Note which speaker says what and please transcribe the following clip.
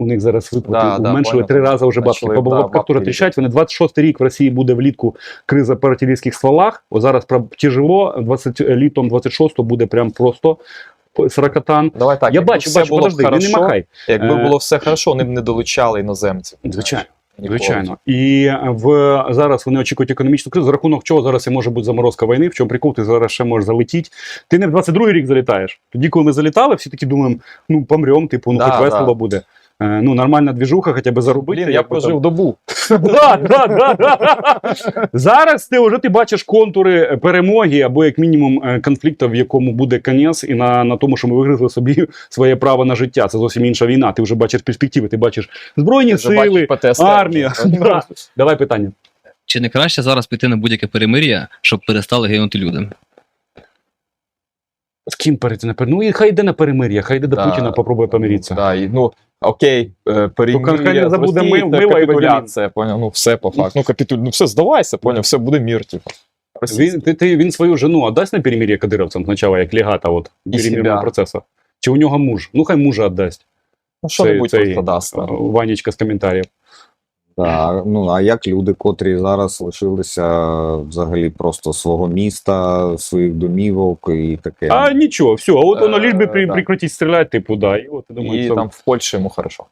Speaker 1: У них зараз виплати
Speaker 2: Да,
Speaker 1: уменшили
Speaker 2: понял.
Speaker 1: 3 рази вже бабки.
Speaker 2: Почали,
Speaker 1: По
Speaker 2: да,
Speaker 1: бабках теж
Speaker 2: бабки
Speaker 1: тріщать. Вони 26-й рік в Росії буде влітку криза по артилерійських стволах. О, зараз тяжело, літом 26-го буде прям просто саракатан.
Speaker 2: Давай так,
Speaker 1: Я
Speaker 2: якби
Speaker 1: бачу,
Speaker 2: все було
Speaker 1: подожди, не
Speaker 2: хорошо,
Speaker 1: махай.
Speaker 2: якби було все хорошо, вони б не долучали іноземців.
Speaker 1: Звичайно.
Speaker 2: Ніколи.
Speaker 1: Звичайно. І зараз вони очікують економічну кризу, за рахунок чого зараз і може бути заморозка війни, в чому прикол, ти зараз ще можеш залетіти. Ти не в 22-й рік залітаєш. Тоді, коли ми залітали, всі такі думаємо, ну помрем, типу, ну
Speaker 2: Да,
Speaker 1: хоч весело
Speaker 2: да.
Speaker 1: буде. Ну, нормальна двіжуха, хоча б заробити.
Speaker 2: Блін, я прожив добу.
Speaker 1: Да. Зараз ти бачиш контури перемоги або як мінімум конфлікту, в якому буде кінець, і на тому, що ми вигризли собі своє право на життя. Це зовсім інша війна. Ти вже бачиш перспективи, ти бачиш збройні сили, армія. Да. Давай питання.
Speaker 3: Чи не краще зараз піти на будь-яке перемир'я, щоб перестали гинути люди?
Speaker 1: З ким перейти на перемир'я? Ну і хай йде на перемир'я, хай йде до
Speaker 2: Да.
Speaker 1: Путіна, попробує помиритися.
Speaker 2: Да, і, ну, окей,
Speaker 1: хай
Speaker 2: перемир'я
Speaker 1: не
Speaker 2: з
Speaker 1: забуде
Speaker 2: Росії, це
Speaker 1: мила і
Speaker 2: капітуляція, поняв? Ну, все по факту. Ну, все, здавайся, поняв, все буде мір, типу.
Speaker 1: Він свою жену віддасть на перемир'я кадировцям спочатку, як легата от, перемирного
Speaker 2: себя.
Speaker 1: процесу? Чи у нього муж? Ну хай мужа віддасть.
Speaker 2: Ну, що-небудь просто дасть.
Speaker 1: Ванечка з коментарів.
Speaker 4: Так, ну а як люди, котрі зараз лишилися взагалі просто свого міста, своїх домівок і таке.
Speaker 1: А нічого, все, от воно ліж би
Speaker 2: Да.
Speaker 1: прекратить стріляти, типу, да. І от, я думаю,
Speaker 2: І
Speaker 1: це...
Speaker 2: там в Польщі йому хорошо.